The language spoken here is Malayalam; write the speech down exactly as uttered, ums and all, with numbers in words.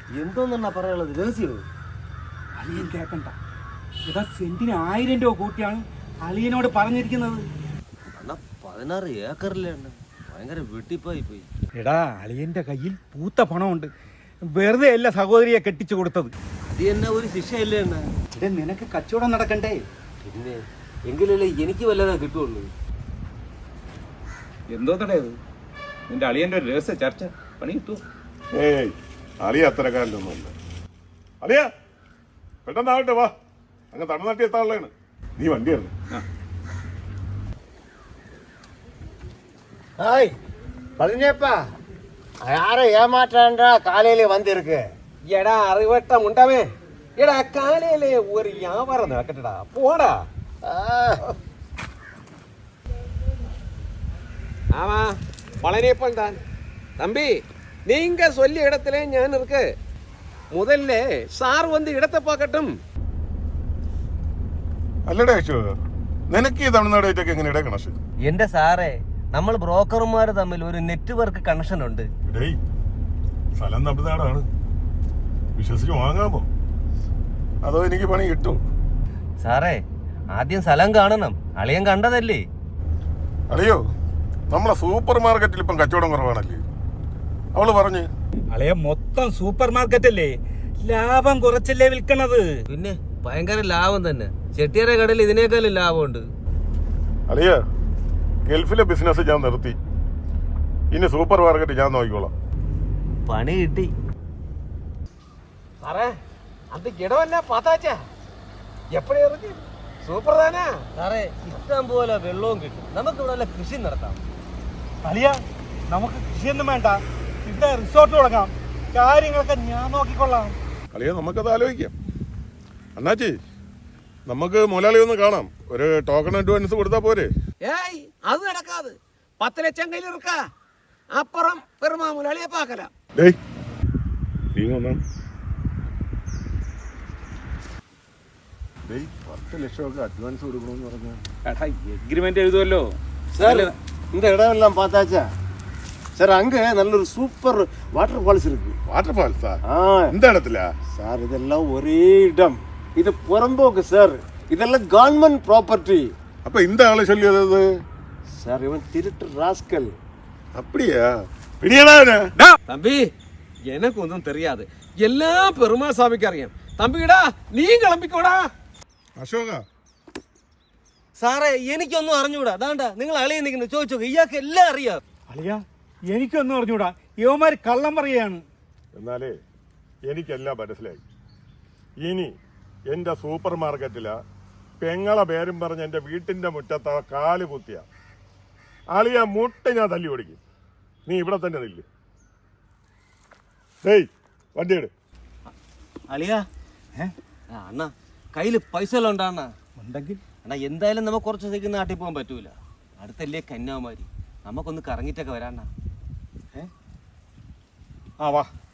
എന്തോന്നാ പറയാനുള്ളത്? രഹസ്യമോ? അളിയൻ കേക്കണ്ട. ഇതാ സെന്റിന് ആയിരം രൂപ കൂട്ടിയാണ് അളിയനോട് പറഞ്ഞിരിക്കുന്നത്. അണ്ണാ പതിനാറ് ഏക്കറിലെ ഭയങ്കര വെട്ടിപ്പായി പോയി. എടാ അളിയന്റെ കയ്യിൽ പൂത്ത പണമുണ്ട്. വെറുതെ അല്ല സഹോദരിയെ കെട്ടിച്ചു കൊടുത്തത്. അത് തന്നെ ഒരു ശിക്ഷയല്ലേ അണ്ണാ? ഇവിടെ നിനക്ക് കച്ചവടം നടക്കണ്ടേ? പിന്നെ എങ്കിലല്ലേ എനിക്ക് വല്ലതാ കിട്ടുള്ളൂ. എന്തോ തടയത് നിന്റെ അളിയന്റെ ഒരു രഹസ്യ ചർച്ച പണി കിട്ടൂ? ഏയ് അളിയ അത്തരക്കാരനൊന്നുമല്ല. അളിയ പെട്ടെന്നാവട്ടെ, വാ. അങ്ങ് തമിഴ്നാട്ടിൽ എത്താനുള്ളതാണ്. നീ വണ്ടിയാണ്. ஹாய் பழனியப்பா, யாரை ஏமாற்றான்றா காலையில வந்திருக்கு. എടാ അറിവട്ടം ഉണ്ടാവേ. എടാ കാലയിലെ ഒരു വ്യാപാരം നടക്കട്ടടാ, പോടാ. ஆமா பழனியப்பன் தான் தம்பி. நீங்க சொல்லிய இடத்துல ஞான் இருக்கு. முதல்ல சார் வந்து இடத்தை பார்க்கட்டும். അല്ലടേ അശോ, നിനക്ക് ഈ തമിഴ്നാടായിട്ടൊക്കെ എങ്ങനെയാ കണക്ഷൻ? എന്റെ സാറേ, നമ്മൾ ബ്രോക്കർമാർ തമ്മിൽ ഒരു നെറ്റ്വർക്ക് കണക്ഷൻ ഉണ്ട്. ഡേയ്, സ്ഥലം തമിഴ്നാടാണ്. വിശ്വസിച്ച് വാങ്ങാമോ? അതോ എനിക്ക് പണി കിട്ടും? സാറേ, ആദ്യം സ്ഥലം കാണണം. അളിയൻ കണ്ടതല്ലേ? അറിയോ, നമ്മളെ സൂപ്പർ മാർക്കറ്റിൽ ഇപ്പം കച്ചവടം കുറവാണല്ലേ? അവള് പറഞ്ഞ് അളിയ മൊത്തം സൂപ്പർ മാർക്കറ്റ് അല്ലേ, ലാഭം കുറച്ചല്ലേ വിൽക്കണത്. പിന്നെ ഭയങ്കര ലാഭം തന്നെ. ചെട്ടിയാരെ കടയിൽ ഇതിനേക്കാളും ലാഭമുണ്ട്. അളിയ, ഗൾഫിലെ ബിസിനസ് ഞാൻ നിർത്തി. ഇനി സൂപ്പർ മാർക്കറ്റ് ഞാൻ നോക്കിക്കോളാം. പണി കിട്ടി. സാറേ അത് ഇടമല്ല പാത്താച്ചാ, എപ്പോഴും ഇറങ്ങി സൂപ്പർ താനാ. സാറേ, ഇഷ്ടം പോലെ വെള്ളവും കിട്ടും. നമുക്ക് ഇവിടെ വല്ല കൃഷി നടത്താം. അളിയ, നമുക്ക് കൃഷിയൊന്നും വേണ്ട, ഇവിടെ റിസോർട്ട് തുടങ്ങാം. കാര്യങ്ങളൊക്കെ ഞാൻ നോക്കിക്കൊള്ളാം. അളിയ, നമുക്കത് ആലോചിക്കാം. അണ്ണാച്ചി, നമുക്ക് മുതലാളി ഒന്ന് കാണാം. ഒരു ടോക്കൺ അഡ്വാൻസ് കൊടുത്താൽ പോരെ? ஏய் அது நடக்காது. பத்து லட்சம் கையில் இருக்கா, அப்புறம் பெருமா முதலாளியை பார்க்கலாம். ഡേയ്, നീ വന്നാ. ഡേയ്, പത്ത് ലക്ഷമൊക്കെ അഡ്വാൻസ് കൊടുക്കണമെന്ന് പറഞ്ഞാൽ എടാ എഗ്രിമെന്റ് എഴുതുമല്ലോ. சார், இந்த இடம் எல்லாம் பார்த்தாச்சா? சார், அங்க நல்ல ஒரு சூப்பர் வாட்டர் ஃபால்ஸ் இருக்கு. വാട്ടർ ഫാൾസാ? ஆ എന്ത് ഇടത്തില്ല சார், இதெல்லாம் ஒரே இடம். இது புறம்போக்கு சார், இதெல்லாம் கவர்மெண்ட் ப்ராப்பர்ட்டி. അപ്പൊ இந்த ആള് ചൊല്ലിയത് சார், இவன் திருட்டு ராஸ்கல். அப்படியா? பிடியடா. தம்பி, எனக்கு ஒன்றும் தெரியாது, எல்லாம் பெருமா சாமிக்கு அறியாம். தம்பிடா, நீ கிளம்பிக்கோடா. അശോക, സാറേ, എനിക്കൊന്നും അറിഞ്ഞൂടാ. അതാണ്ട നിങ്ങൾ അളിയെ നിൽക്കുന്നത് ചോദിച്ചോ, ഇയാൾക്ക് എല്ലാം അറിയാം. അളിയ, എനിക്കൊന്നും അറിഞ്ഞൂടാ. യുവമാര് കള്ളം പറയുകയാണ്. എന്നാലേ എനിക്കെല്ലാം മനസ്സിലായി. ഇനി എൻ്റെ സൂപ്പർ മാർക്കറ്റിലാ പെങ്ങളെ പേരും പറഞ്ഞ് എൻ്റെ വീട്ടിൻ്റെ മുറ്റത്ത് കാല് കുത്തിയ ആളിയാ മുട്ട ഞാൻ തല്ലി ഓടിക്കും. നീ ഇവിടെ തന്നെ നില്ല്. ഡേയ്, വണ്ടി എടു. അളിയാ, അണ്ണ കയ്യില് പൈസ എല്ലാം ഉണ്ടാ? ഉണ്ടെങ്കിൽ അണ്ണാ, എന്തായാലും നമുക്ക് കുറച്ച് ദിവസത്തേക്ക് നാട്ടിൽ പോകാൻ പറ്റൂല. അടുത്തല്ലേ കന്യാകുമാരി, നമുക്കൊന്ന് കറങ്ങിട്ടൊക്കെ വരാണ്ണ. ആ വാ.